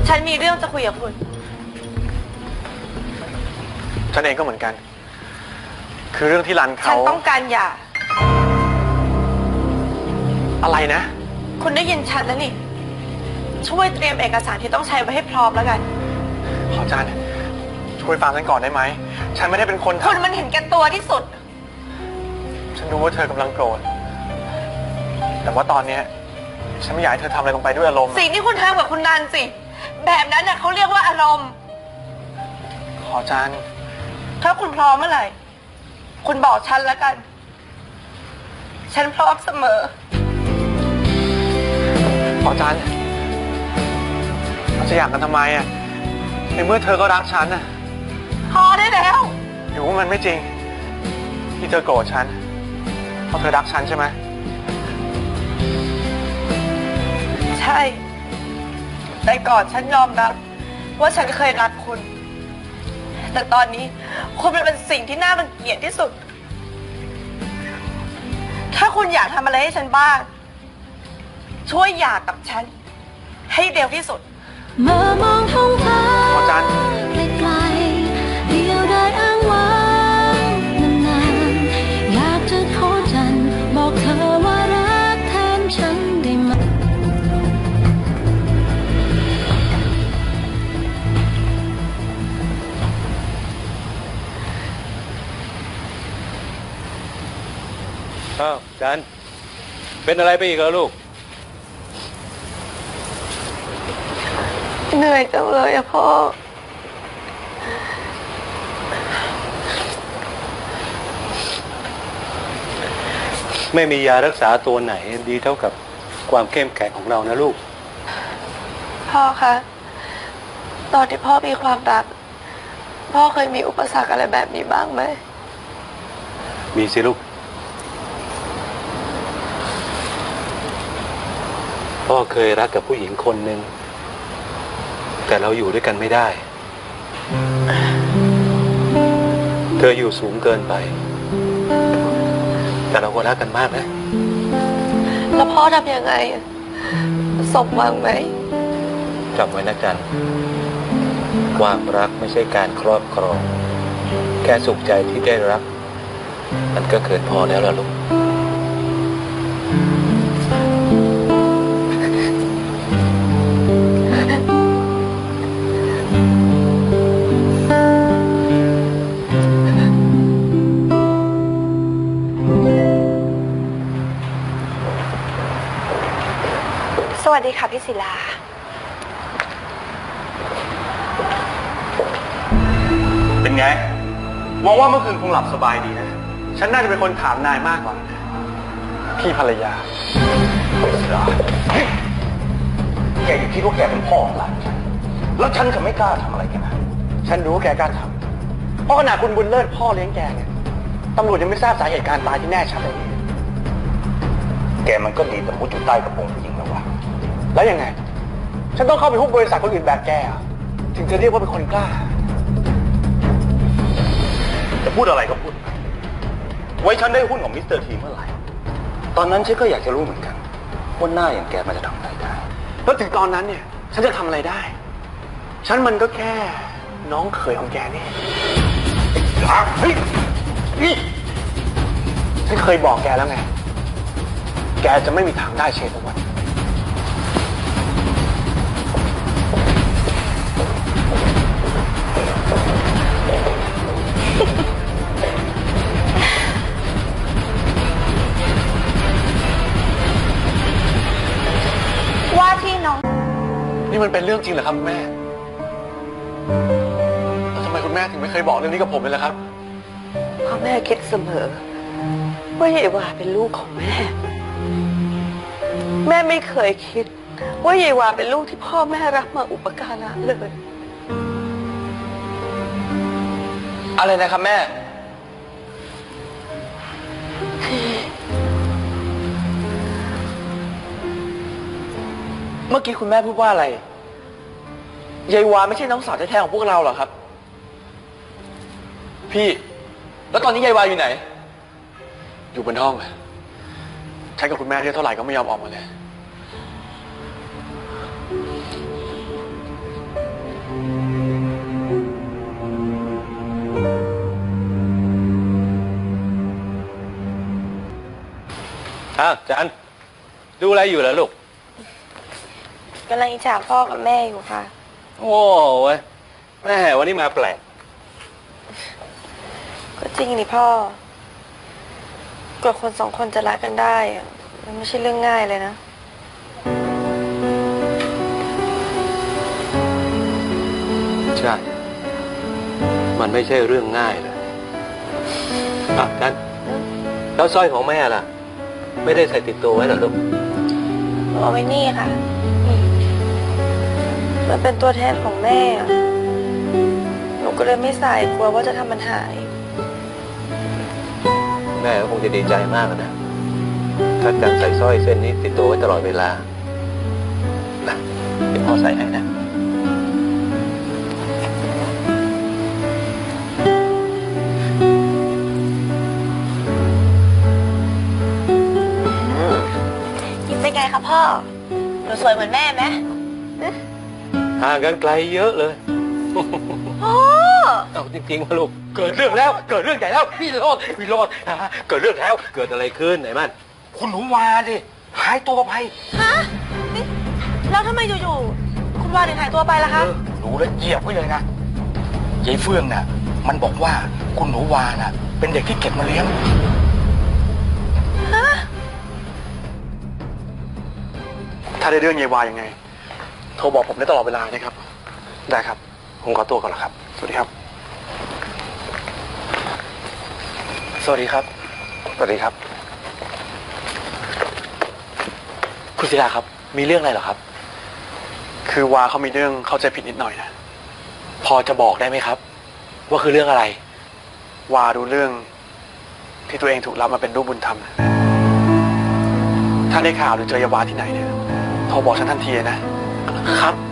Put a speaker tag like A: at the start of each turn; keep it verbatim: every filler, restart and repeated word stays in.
A: ฉันมีเรื่องจะคุยกับคุณ
B: ฉันเองก็เหมือนกันคือเรื่องที่รันเขา
A: ฉันต้องการหย่า
B: อะไรนะ
A: คุณได้ยินฉันแล้วนี่ช่วยเตรียมเอกสารที่ต้องใช้ไว้ให้พร้อมแล้วกัน
B: ขออาจารย์ช่วยฟังฉันก่อนได้ไหมฉันไม่ได้เป็นคน
A: คุณมันเห็นแก่ตัวที่สุด
B: ฉันรู้ว่าเธอกำลังโกรธแต่ว่าตอนนี้ฉันไม่อยากให้เธอทำอะไรลงไปด้วยอารมณ์
A: สิ่งที่คุณทำกับคุณนันสิแบบนั้นน่ะเขาเรียกว่าอารมณ์
B: ขออาจารย์
A: ถ้าคุณพร้อมเมื่อไหร่คุณบอกฉันแล้วกันฉันพร้อมเสมอ
B: ขออาจารย์เราจะอยากกันทำไมอ่ะในเมื่อเธอก็รักฉันน่ะ
A: พอได้แล้ว
B: หรือว่ามันไม่จริงที่เธอโกรธฉันเพราะเธอรักฉันใช่ไหม
A: ใช่แต่ก่อนฉันยอมรับว่าฉันเคยรักคุณแต่ตอนนี้คุณเป็นสิ่งที่น่ารังเกียจที่สุดถ้าคุณอยากทำอะไรให้ฉันบ้างช่วยหย่ากับฉันให้เร็วที่สุด
C: เมื่อมองท้องฟ้า
B: อาจารย์
C: ไกลๆเดียวได้อ้างว้างนานๆอยากจะขอจันบอกเธอว่ารักแทนฉันได้ไหม
D: อ้าวจันเป็นอะไรไปอีกเหรอลูก
A: เหนื่อยจังเลยอะพ่อ
D: ไม่มียารักษาตัวไหนดีเท่ากับความเข้มแข็งของเรานะลูก
A: พ่อคะตอนที่พ่อมีความรักพ่อเคยมีอุปสรรคอะไรแบบนี้บ้างไหม
D: มีสิลูกพ่อเคยรักกับผู้หญิงคนหนึ่งแต่เราอยู่ด้วยกันไม่ได้เธออยู่สูงเกินไปแต่เราก็รักกันมากนะ
A: แล้วพ่อทำยังไงสมหวังไหม
D: จำไว้นะจันความรักไม่ใช่การครอบครองแค่สุขใจที่ได้รับมันก็เกินพอแล้วล่ะลูก
A: สวัสดีค่ะพี่ศิลา
B: เป็นไงหวังว่าเมื่อคืนคงหลับสบายดีนะฉันน่าจะเป็นคนถามนายมากกว่าพี่ภรรยาศิลาแกอย่าคิดว่าแกเป็นพ่อของหลานฉันแล้วฉันจะไม่กล้าทำอะไรแกนะฉันรู้ว่าแกกล้าทำเพราะขณะคุณบุญเลิศพ่อเลี้ยงแกเนี่ยตำรวจยังไม่ทราบสาเหตุการตายที่แน่ชัดเลยแกมันก็ดีแต่มุดอยู่ใต้กระโปรงผู้หญิงแล้ววะแล้วยังไงฉันต้องเข้าไปหุ้นบริษัทคนอื่นแบบแกถึงจะเรียกว่าเป็นคนกล้าจะพูดอะไรก็พูดไว้ฉันได้หุ้นของมิสเตอร์ทีเมื่อไหร่ตอนนั้นฉันก็อยากจะรู้เหมือนกันว่าหน้าอย่างแกมันจะทำอะไรได้แล้วถึงตอนนั้นเนี่ยฉันจะทำอะไรได้ฉันมันก็แค่น้องเขยของแกนี่เฮ้ยนี่ฉันเคยบอกแกแล้วไงแกจะไม่มีทางได้เชฟทุกวัน
A: ว่าที่น้อง
B: นี่มันเป็นเรื่องจริงเหรอครับแม่แล้วทำไมคุณแม่ถึงไม่เคยบอกเรื่องนี้กับผมเลยล่ะครับ
A: เพราะแม่คิดเสมอว่าเยวาเป็นลูกของแม่แม่ไม่เคยคิดว่าเยวาเป็นลูกที่พ่อแม่รักมาอุปการะเลย
B: อะไรนะครับแม่เมื่อกี้คุณแม่พูดว่าอะไรยายวาไม่ใช่น้องสาวแท้ๆของพวกเราเหรอครับพี่แล้วตอนนี้ยายวาอยู่ไหนอยู่บนห้องใช้กับคุณแม่เรียกเท่าไหร่ก็ไม่ยอมออกมาเลย
D: อ้าวจันดูอะไรอยู่ล่ะลูก
A: กำลังอิจฉาพ่อกับแม่อยู่ค่ะ
D: โอ้ยแม่วันนี้มาแปลก
A: ก็จริงนี่พ่อกว่าคนสองคนจะรักกันได้อะมันไม่ใช่เรื่องง่ายเลยนะ
D: ใช่ มันไม่ใช่เรื่องง่ายเลยอ่ะจันแล้วสร้อยของแม่ล่ะ ไม่ได้ใส่ติดตัวไว้เหรอลูก
A: เอาไว้นี่ค่ะนี่มันเป็นตัวแทนของแม่อะหนูก็เลยไม่ใส่กลัวว่าจะทำมันหาย
D: แม่ก็คงจะดีใจมากนะ ถ้าจันใส่สร้อยเส้นนี้ติดตัวไว้ตลอดเวลานะเดี๋ยวพ่อใส่ให้นะ
A: ยิ้มเป็นไงคะพ่อ หนูสวยเหมือนแม่ไหม
D: ห่างกันไกลเยอะเลย
A: พ่อ
D: เอาจริงๆนะลูก เกิดเรื่องแล้ว เกิดเรื่องใหญ่แล้ว พี่โรดพี่โรดเกิดเรื่องแล้ว เกิดอะไรขึ้นไหนมัน
B: คุณหนูวาดิหายตัวไป
A: ฮะนี่แล้วทำไมอยู่ๆคุณวาถึงหายตัวไปล่ะคะ
E: รู้แล้วเหยียบไว้เลยนะยายเฟื่องน่ะ มันบอกว่าคุณหนูวาน่ะ เป็นเด็กที่เก็บมาเลี้ยง
A: ฮะ
B: ถ้าได้เรื่องเยวายังไง โทรบอกผมได้ตลอดเวลานะครับ ได้ครับ ผมขอตัวก่อนแล้วครับ สวัสดีครับ สวัสดีครับ สวัสดีครับ
E: คุณศิลาครับ มีเรื่องอะไรเหรอครับ
B: คือวาเขามีเรื่องเข้าใจผิดนิดหน่อยนะ
E: พอจะบอกได้ไหมครับ ว่าคือเรื่องอะไร
B: วารู้เรื่องที่ตัวเองถูกรับมาเป็นลูกบุญธรรมนะถ้าได้ข่าวหรือเจอเยวาที่ไหนเนี่ยโทรบอกฉันทันทีนะ
E: ครับ